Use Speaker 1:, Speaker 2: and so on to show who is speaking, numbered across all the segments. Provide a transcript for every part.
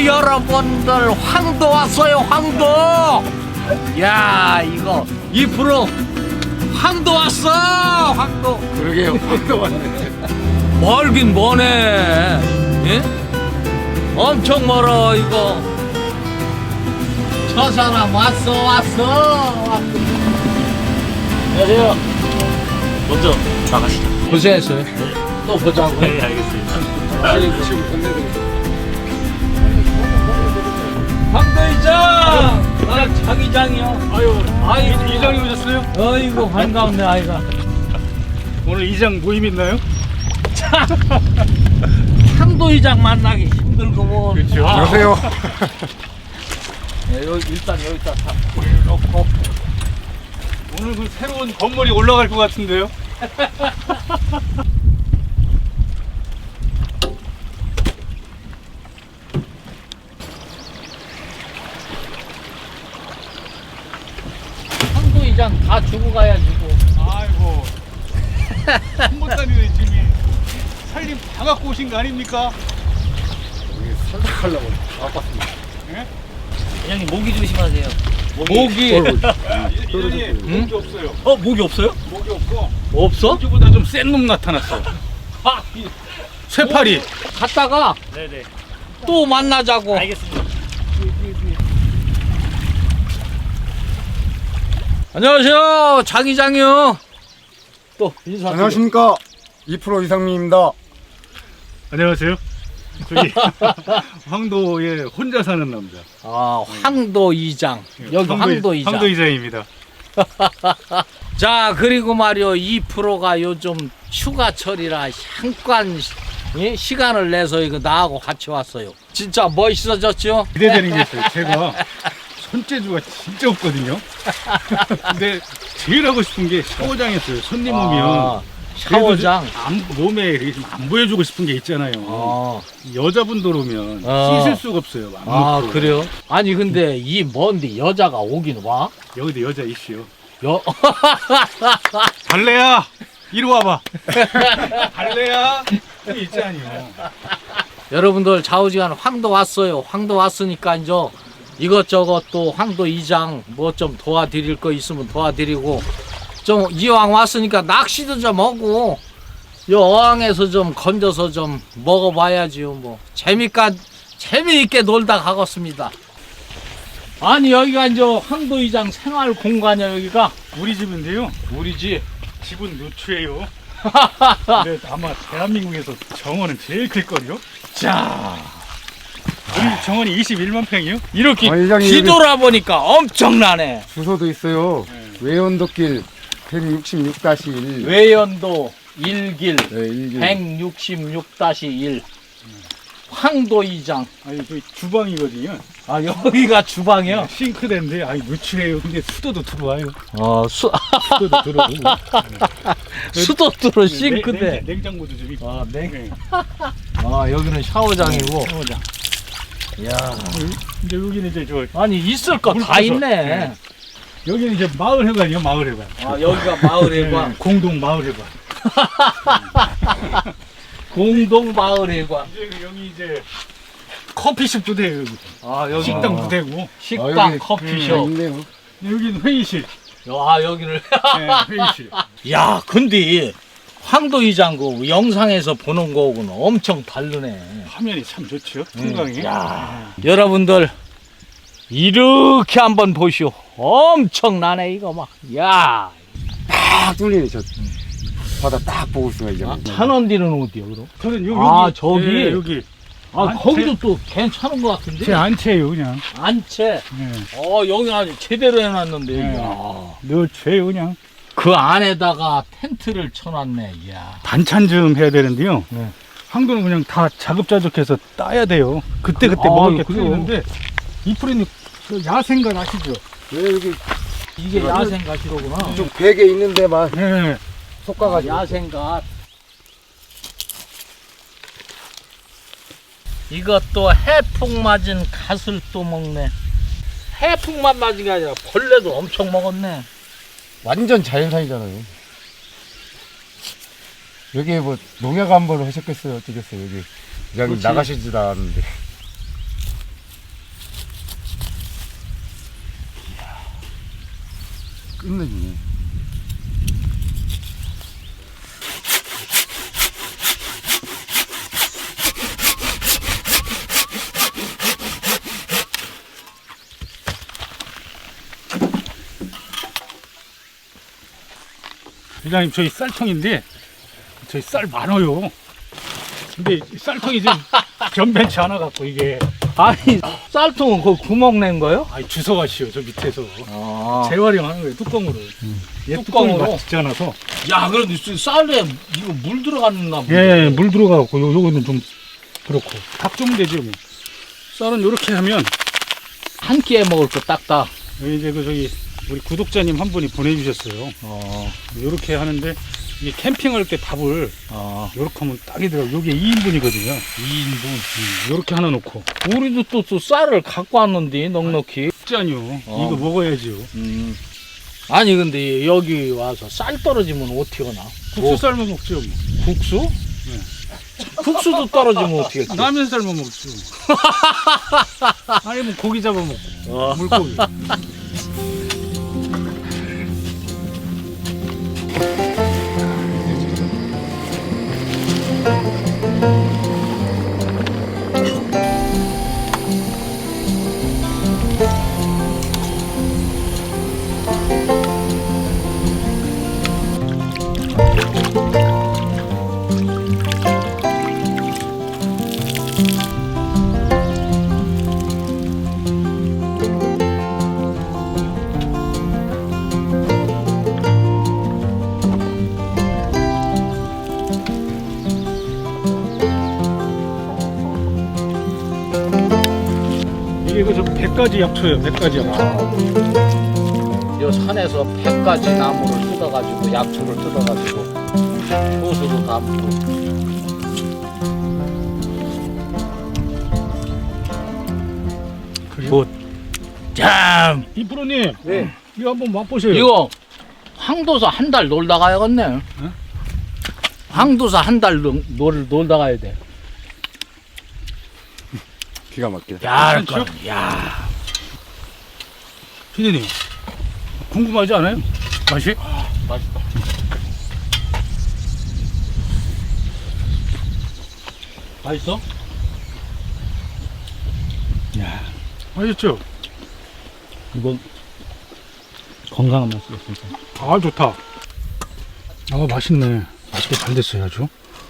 Speaker 1: 여러분들 황도 왔어요. 황도. 야 이거 2% 황도 왔어. 황도.
Speaker 2: 그러게요. 황도 왔네.
Speaker 1: 멀긴 머네. 예? 엄청 멀어 이거. 저 사람 왔어. 안녕하세요.
Speaker 3: 먼저 나가시죠.
Speaker 1: 고생했어요. 또 보자고.
Speaker 3: 네, 알겠습니다.
Speaker 1: 황도이장. 나 자기장이요.
Speaker 3: 아유, 이장이 오셨어요?
Speaker 1: 어이구 반가운데 아이가.
Speaker 3: 오늘 이장 모임 있나요?
Speaker 1: 황도이장 만나기 힘들고 뭐.
Speaker 3: 그렇죠.
Speaker 2: 안녕하세요.
Speaker 1: 네, 여기 일단 여기다 다 올려놓고.
Speaker 3: 오늘 그 새로운 건물이 올라갈 것 같은데요?
Speaker 1: 황도이장 다 주고 가야지 뭐.
Speaker 3: 아이고. 한번 다니네 지금. 살림 다 갖고 오신 거 아닙니까?
Speaker 2: 살짝하려고 아팠습니다.
Speaker 3: 예?
Speaker 1: 회장님 모기 조심하세요. 모기.
Speaker 3: 이장이 목이 없어요.
Speaker 1: 모기 없어요?
Speaker 3: 목이 없고
Speaker 1: 없어?
Speaker 3: 목이보다 좀 센 놈 나타났어.
Speaker 1: 아,
Speaker 3: 쇠파리.
Speaker 1: 갔다가
Speaker 3: 네네.
Speaker 1: 또 만나자고.
Speaker 3: 알겠습니다.
Speaker 1: 안녕하세요. 장이장이요. 또 인사.
Speaker 2: 안녕하십니까. 2% 이상민입니다.
Speaker 3: 안녕하세요. 저기 황도에 혼자 사는 남자.
Speaker 1: 아, 황도이장. 여기 황도이장.
Speaker 3: 황도이장입니다.
Speaker 1: 자, 그리고 말이요. 2%가 요즘 휴가철이라 잠깐 시간을 내서 이거 나하고 같이 왔어요. 진짜 멋있어졌죠?
Speaker 3: 기대되는 게 있어요. 제가 손재주가 진짜 없거든요. 근데 제일 하고 싶은 게 샤워장이었어요. 손님 오면
Speaker 1: 샤워장.
Speaker 3: 몸에 이렇게 좀 안 보여주고 싶은 게 있잖아요. 여자분들 오면 씻을 수가 없어요. 안 놓고.
Speaker 1: 그래요? 아니 근데 이 먼데 여자가 오긴 와?
Speaker 3: 여기도 여자 있어요.
Speaker 1: 여
Speaker 3: 발레야 이리 와봐. 발레야 여기 있잖아요.
Speaker 1: 여러분들 좌우지간 황도 왔어요. 황도 왔으니까 이제 이것저것 또 황도 이장 뭐 좀 도와드릴 거 있으면 도와드리고, 좀 이왕 왔으니까 낚시도 좀 하고 요 어항에서 좀 건져서 좀 먹어봐야지요. 뭐 재미있게 놀다 가겠습니다. 아니 여기가 이제 황도 이장 생활 공간이야. 여기가
Speaker 3: 우리 집인데요.
Speaker 1: 우리 집.
Speaker 3: 집은 노출이에요. 근데 아마 대한민국에서 정원은 제일 클걸요.
Speaker 1: 자,
Speaker 3: 우리 정원이 21만 평이요.
Speaker 1: 이렇게
Speaker 2: 이장이
Speaker 1: 뒤돌아보니까 엄청나네.
Speaker 2: 주소도 있어요. 외연도길 166-1.
Speaker 1: 외연도 1길
Speaker 2: 네, 1길.
Speaker 1: 166-1 황도이장.
Speaker 3: 아니 저희 주방이거든요.
Speaker 1: 아 여기가 주방이요?
Speaker 3: 싱크대인데 아니 노출해요. 근데 수도도 들어와요.
Speaker 1: 수도
Speaker 3: 수도도 들어오고.
Speaker 1: 수도 들어 싱크대.
Speaker 3: 냉장고도 좀 있고. 네.
Speaker 1: 여기는 샤워장이고.
Speaker 3: 샤워장.
Speaker 1: 야,
Speaker 3: 이제 여기는 이제 저
Speaker 1: 아니 있을 거 다 있네.
Speaker 3: 네. 여기는 이제 마을 회관이요. 마을 회관.
Speaker 1: 여기가 마을회관.
Speaker 3: 네, 공동 마을 회관.
Speaker 1: 공동 마을회관.
Speaker 3: 이제 여기 이제 커피숍도 돼요. 여기.
Speaker 1: 여기
Speaker 3: 식당도 되고.
Speaker 1: 식당,
Speaker 2: 여기,
Speaker 1: 커피숍.
Speaker 2: 있네요.
Speaker 3: 여기는 회의실.
Speaker 1: 여기를.
Speaker 3: 네, 회의실.
Speaker 1: 야, 근데 황도이장 그 영상에서 보는 거하고는 엄청 다르네.
Speaker 3: 화면이 참 좋죠. 풍광이.
Speaker 1: 야, 여러분들 이렇게 한번 보시오. 엄청나네 이거 막. 야,
Speaker 2: 딱 뚫리네. 저 바다 딱 보고 있어요. 이제.
Speaker 1: 찬원디는 어디요, 그럼?
Speaker 3: 저는
Speaker 1: 아, 저기?
Speaker 3: 네, 여기.
Speaker 1: 거기도 또 괜찮은 것 같은데.
Speaker 3: 제 안채예요, 그냥.
Speaker 1: 안채.
Speaker 3: 네.
Speaker 1: 여기 아주 제대로 해놨는데.
Speaker 3: 네.
Speaker 1: 야.
Speaker 3: 늘 죄요, 그냥.
Speaker 1: 그 안에다가 텐트를 쳐놨네. 야.
Speaker 3: 반찬 좀 해야 되는데요.
Speaker 1: 네.
Speaker 3: 황도는 그냥 다 자급자족해서 따야 돼요. 그때 먹을 게
Speaker 1: 그래요?
Speaker 3: 필요한데 이 프리는 그 야생가 아시죠?
Speaker 2: 왜 여기
Speaker 1: 이게 야생 가시로구나.
Speaker 2: 좀 베개 있는데만
Speaker 3: 네.
Speaker 2: 솎아가지고.
Speaker 1: 야생갓. 이것도 해풍 맞은 갓을 또 먹네. 해풍만 맞은 게 아니라 벌레도 엄청 먹었네.
Speaker 2: 완전 자연산이잖아요. 여기 뭐 농약 한 번 하셨겠어요? 어쩌겠어요? 여기 그냥
Speaker 1: 그렇지.
Speaker 2: 나가시지도 않았는데. 끝내주네.
Speaker 3: 회장님 저희 쌀통인데 저희 쌀 많아요. 근데 이 쌀통이 좀 변변치 않아 갖고 이게
Speaker 1: 아니 쌀통은 그 구멍 낸 거요?
Speaker 3: 아이 주워가시오 저 밑에서
Speaker 1: 아.
Speaker 3: 재활용하는 거예요 뚜껑으로. 얘 뚜껑이
Speaker 1: 뚜껑으로?
Speaker 3: 맞지 않아서.
Speaker 1: 야 그런데 쌀에 이거 물 들어갔나 보네.
Speaker 3: 예, 물 들어가고 요거는 좀 그렇고 닭 좀 되죠. 뭐. 쌀은 요렇게 하면
Speaker 1: 한 끼에 먹을 거 딱딱.
Speaker 3: 이제 그 저기 우리 구독자님 한 분이 보내주셨어요. 요렇게 하는데 이 캠핑할 때 밥을 요렇게 하면 딱이더라고. 요게 2인분이거든요. 2인분. 요렇게 하나 놓고.
Speaker 1: 우리도 또 쌀을 갖고 왔는데 넉넉히.
Speaker 3: 짠요. 이거 먹어야지요.
Speaker 1: 아니 근데 여기 와서 쌀 떨어지면 어떻게 하나?
Speaker 3: 국수 삶아 먹죠. 뭐.
Speaker 1: 국수? 국수도 떨어지면 어떻게 해?
Speaker 3: 라면 삶아 먹죠. 아니면 고기 잡아 먹고. 물고기. 이게 그저 100가지 약초예요. 100가지 약초.
Speaker 1: 요 산에서 100가지 나무를 뜯어가지고 약초를 뜯어가지고 효소도 담고.
Speaker 3: 그리고
Speaker 1: 참
Speaker 3: 이프로님,
Speaker 2: 네.
Speaker 3: 이거 한번 맛보세요.
Speaker 1: 이거 황도사 한 달 놀다 가야겠네. 황도사 한 달 놀다 가야 돼.
Speaker 2: 기가 막히다.
Speaker 1: 야,
Speaker 3: 괜찮죠?
Speaker 1: 야.
Speaker 3: 피디님, 궁금하지 않아요? 맛이?
Speaker 1: 맛있다. 맛있어?
Speaker 3: 야, 맛있죠?
Speaker 1: 이건 건강한 맛이야 진짜.
Speaker 3: 아, 좋다. 아, 맛있네. 맛있게 잘 됐어요, 아주.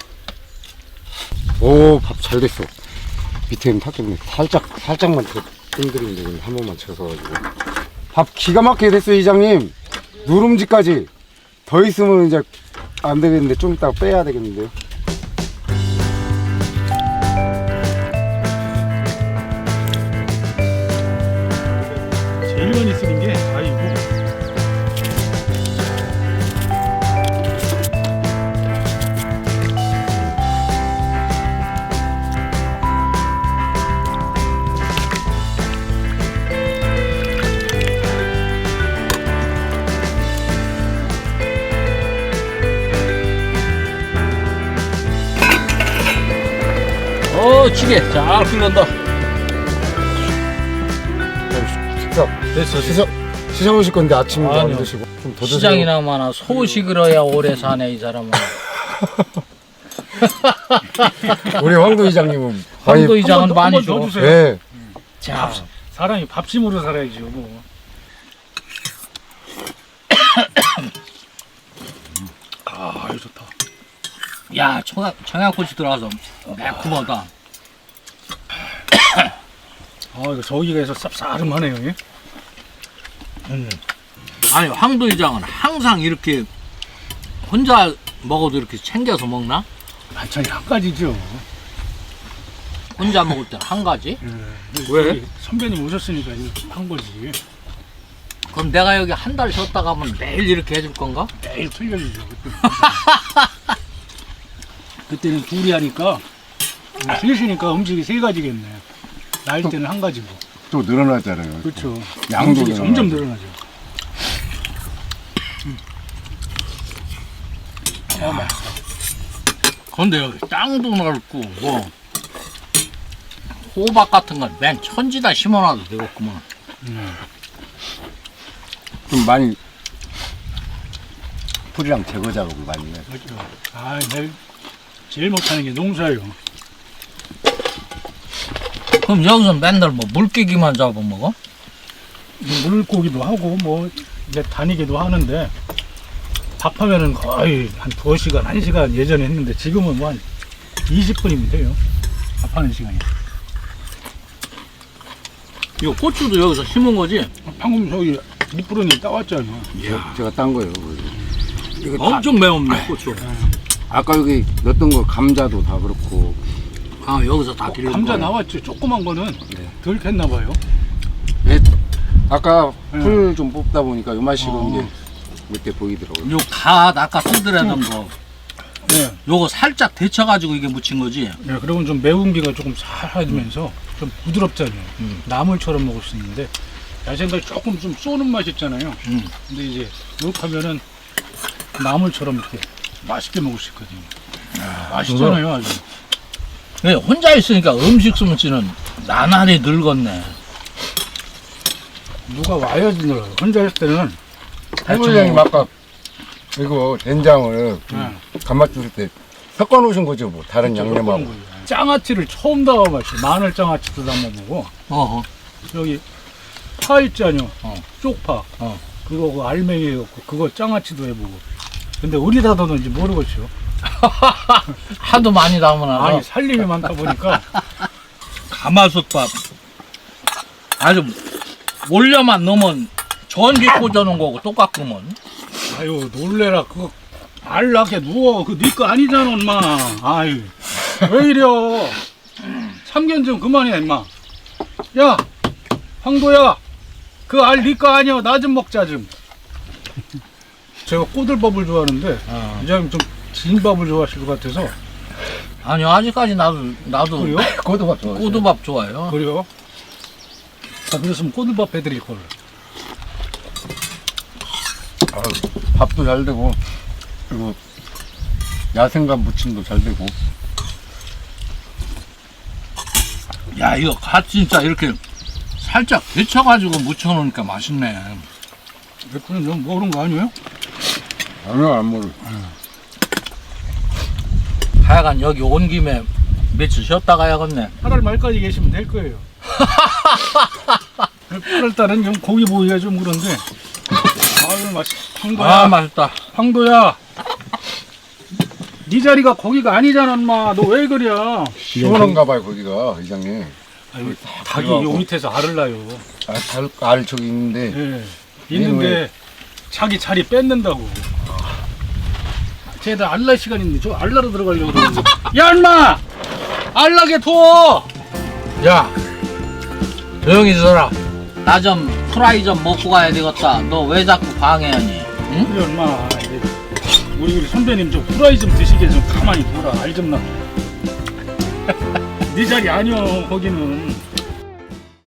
Speaker 2: 오, 밥 잘 됐어. 밑에는 탔겠네. 살짝만 더 뜸들이면 되겠네. 한 번만 쳐서가지고. 밥 기가 막히게 됐어요, 이장님. 누룽지까지. 더 있으면 이제 안 되겠는데, 좀 이따가 빼야 되겠는데요.
Speaker 3: 제일 많이 쓰는 게, 아이고.
Speaker 1: 찌개 잘 끓는다.
Speaker 2: 식사. 드셔보실 건데 아침에 안
Speaker 1: 아니요.
Speaker 2: 드시고. 좀 더 드세요.
Speaker 1: 시장이나마나 소식을 해야 오래 사네 이 사람은.
Speaker 2: 우리 황도 이장님은.
Speaker 1: 황도
Speaker 2: 아니,
Speaker 1: 이장은 많이
Speaker 3: 한번 더
Speaker 1: 줘.
Speaker 3: 주세요.
Speaker 2: 네.
Speaker 1: 자,
Speaker 3: 사람이 밥심으로 살아야죠, 뭐. 아, 이거 좋다.
Speaker 1: 야 청양고추 들어가서 매콤하다.
Speaker 3: 아, 이거 저기가 해서 쌉싸름하네요. 예?
Speaker 1: 아니 황도 이장은 항상 이렇게 혼자 먹어도 이렇게 챙겨서 먹나?
Speaker 3: 반찬이 한 가지죠.
Speaker 1: 혼자 먹을 때 한 가지?
Speaker 3: 왜? 네. 선배님 오셨으니까 이렇게 한 거지.
Speaker 1: 그럼 내가 여기 한 달 쉬었다 가면 매일 이렇게 해줄 건가?
Speaker 3: 매일 틀려지죠. 그때는 둘이 하니까 셋이니까 음식이 세 가지겠네. 나일 때는 한 가지고.
Speaker 2: 또 늘어나잖아요.
Speaker 3: 그렇죠.
Speaker 2: 양도
Speaker 3: 음식이 점점 늘어나죠. 아, 맛있어.
Speaker 1: 근데 여기 땅도 넓고 뭐 호박 같은 건 맨 천지다 심어놔도 되겠구만.
Speaker 2: 좀 많이 풀이랑 제거 작업을 많이 해요.
Speaker 3: 그렇죠. 아, 내가 제일 못하는 게 농사예요.
Speaker 1: 그럼 여기서 맨날 뭐 물개기만 잡아먹어?
Speaker 3: 물고기도 하고 뭐 이제 다니기도 하는데 밥하면은 거의 한 2시간, 1시간 예전에 했는데 지금은 뭐 한 20분이면 돼요. 밥하는 시간이.
Speaker 1: 이거 고추도 여기서 심은 거지?
Speaker 3: 방금 저기 밑부러니 따왔잖아요.
Speaker 2: 제가 딴 거예요. 이거 다,
Speaker 1: 엄청 매운네 고추.
Speaker 2: 아까 여기 넣었던 거 감자도 다 그렇고
Speaker 1: 아 여기서 다 기르는
Speaker 3: 감자
Speaker 1: 거야.
Speaker 3: 나왔지. 조그만 거는
Speaker 2: 네.
Speaker 3: 덜 캤나 봐요.
Speaker 2: 아까
Speaker 3: 네.
Speaker 2: 풀 좀 뽑다 보니까 요만식은
Speaker 3: 어.
Speaker 2: 이제 몇 개 보이더라고요.
Speaker 1: 요 갓 아까 쓰더라던 거
Speaker 3: 네.
Speaker 1: 요거 살짝 데쳐가지고 이게 묻힌 거지?
Speaker 3: 네, 그러면 좀 매운기가 조금 살아지면서 좀 부드럽잖아요. 나물처럼 먹을 수 있는데 야생갈 조금 좀 쏘는 맛 있잖아요. 근데 이제 이렇게 하면은 나물처럼 이렇게 맛있게 먹을 수 있거든요. 맛있잖아요, 아주.
Speaker 1: 네, 혼자 있으니까 음식 솜씨는 나날이 늙었네.
Speaker 3: 누가 와야지 늘어요. 혼자 있을 때는
Speaker 2: 할머니님 아까 이거 된장을
Speaker 3: 네.
Speaker 2: 간맛 줄일 때 섞어 놓으신 거죠, 뭐 다른 양념하고.
Speaker 3: 장아찌를 처음 담아봤어요. 마늘 장아찌도 담아보고
Speaker 1: 어허.
Speaker 3: 여기 파 있잖아요. 쪽파.
Speaker 1: 어.
Speaker 3: 그거 그 알맹이 해갖고 그거 장아찌도 해보고. 근데 어디다 넣는지 모르겠죠.
Speaker 1: 하도 많이 담으나
Speaker 3: 아니 살림이 많다 보니까
Speaker 1: 가마솥밥 아주 올려만 넣으면 전기 꽂아놓은 거고 똑같구먼.
Speaker 3: 아유 놀래라 그거 알나게 누워 그 네 거 아니잖아 엄마. 아유 왜 이려. 참견 좀 그만해 임마. 야 황도야 그 알 네 거 아니야. 나 좀 먹자 좀. 제가 꼬들밥을 좋아하는데 이장님 좀 진 밥을 좋아하실 것 같아서.
Speaker 1: 아니요 아직까지 나도
Speaker 3: 그래요?
Speaker 2: 고도밥 좋아하세요?
Speaker 1: 꼬두밥 좋아해요.
Speaker 3: 그래요? 아, 그랬으면 꼬들밥 해드릴 걸.
Speaker 2: 밥도 잘 되고 그리고 야생감 무침도 잘 되고.
Speaker 1: 야 이거 갓 진짜 이렇게 살짝 데쳐가지고 묻혀놓으니까 맛있네.
Speaker 3: 몇분은 좀 모르는 거 아니에요?
Speaker 2: 아니요, 안 먹어요.
Speaker 1: 하여간 여기 온 김에 며칠 쉬었다 가야겠네.
Speaker 3: 8월 말까지 계시면 될 거예요. 8월달은 좀 고기 보기가 좀 그런데. 아유 맛있. 황도야.
Speaker 1: 아 맛있다.
Speaker 3: 황도야. 네 자리가 거기가 아니잖아, 엄마. 너 왜 그래?
Speaker 2: 시원한가 봐요, 거기가, 이장님.
Speaker 3: 아유, 닭이
Speaker 2: 들어가고.
Speaker 3: 요 밑에서 알을 낳아요.
Speaker 2: 알 저기 있는데.
Speaker 3: 예. 있는데 자기 자리 뺏는다고. 쟤들 알날 시간 있는데 저 알나로 들어가려고 그러는데. 야, 임마! 알나게 둬!
Speaker 1: 야 조용히 있어라. 나 좀 프라이 좀 먹고 가야 되겠다. 너 왜 자꾸 방해하니? 응?
Speaker 3: 그래, 엄마. 우리 선배님 좀 후라이 좀 드시게 좀 가만히 둬라. 알 좀 나. 네 자리 아니여, 거기는.